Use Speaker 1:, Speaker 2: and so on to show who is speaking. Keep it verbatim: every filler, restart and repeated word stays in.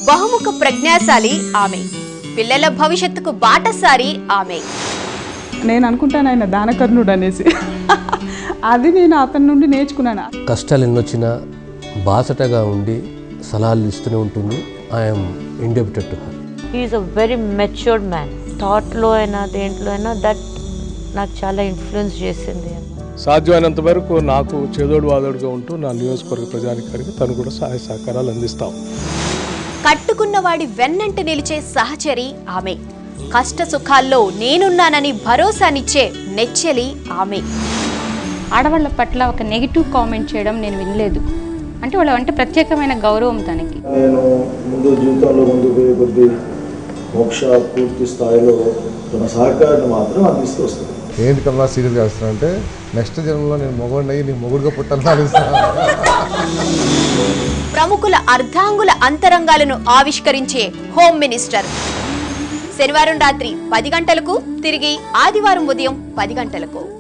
Speaker 1: బహుముఖ ప్రజ్ఞాశాలి ఆమె, పిల్లల భవిష్యత్తుకు బాటసారి ఆమె.
Speaker 2: నేను అనుకుంటాను ఆయన దానకర్ణుడు అనేసి, అది నేను అతని నుండి నేర్చుకున్నాను.
Speaker 3: కష్టాలు ఎన్నొచ్చినా బాసటగా ఉండి సలహాలు ఇస్తూనే ఉంటుంది. I'm indebted to her.
Speaker 4: He is a very matured man. థాట్లో అయినా దేంట్లో అయినా దట్ నాకు చాలా ఇన్ఫ్లుయెన్స్ చేసింది.
Speaker 5: సాధ్యమైనంత వరకు నాకు చేదోడు వాదోడుగా ఉంటూ నా నియోజకవర్గ ప్రజానికానికి తను కూడా సహాయ సహకారాలు అందిస్తాం.
Speaker 1: కట్టుకున్నవాడి వెన్నంటి నిలిచే సహచరి ఆమె, కష్ట సుఖాల్లో నేనున్నానని భరోసానిచ్చే నెచ్చెలి ఆమె.
Speaker 6: ఆడవాళ్ళ పట్ల ఒక నెగిటివ్ కామెంట్ చేయడం నేను వినలేదు. అంటే వాళ్ళ అంటే ప్రత్యేకమైన గౌరవం తనకి.
Speaker 7: నేను ముందు జీవితంలో ముందు పోయే కొద్ది మోక్ష పూర్తి స్థాయిలో తన సహకారాన్ని మాత్రం అందిస్తూ వస్తుంది.
Speaker 8: ఏంటి కన్నా సీరియస్గా వస్తున్నా అంటే నెక్స్ట్ జన్మలో నేను మొగుడిని అయ్యి నీ మొగుడుగా పుట్టాలని.
Speaker 1: ప్రముఖుల అర్ధాంగుల అంతరంగాలను ఆవిష్కరించే హోమ్ మినిస్టర్. శనివారం రాత్రి పది గంటలకు, తిరిగి ఆదివారం ఉదయం పది గంటలకు.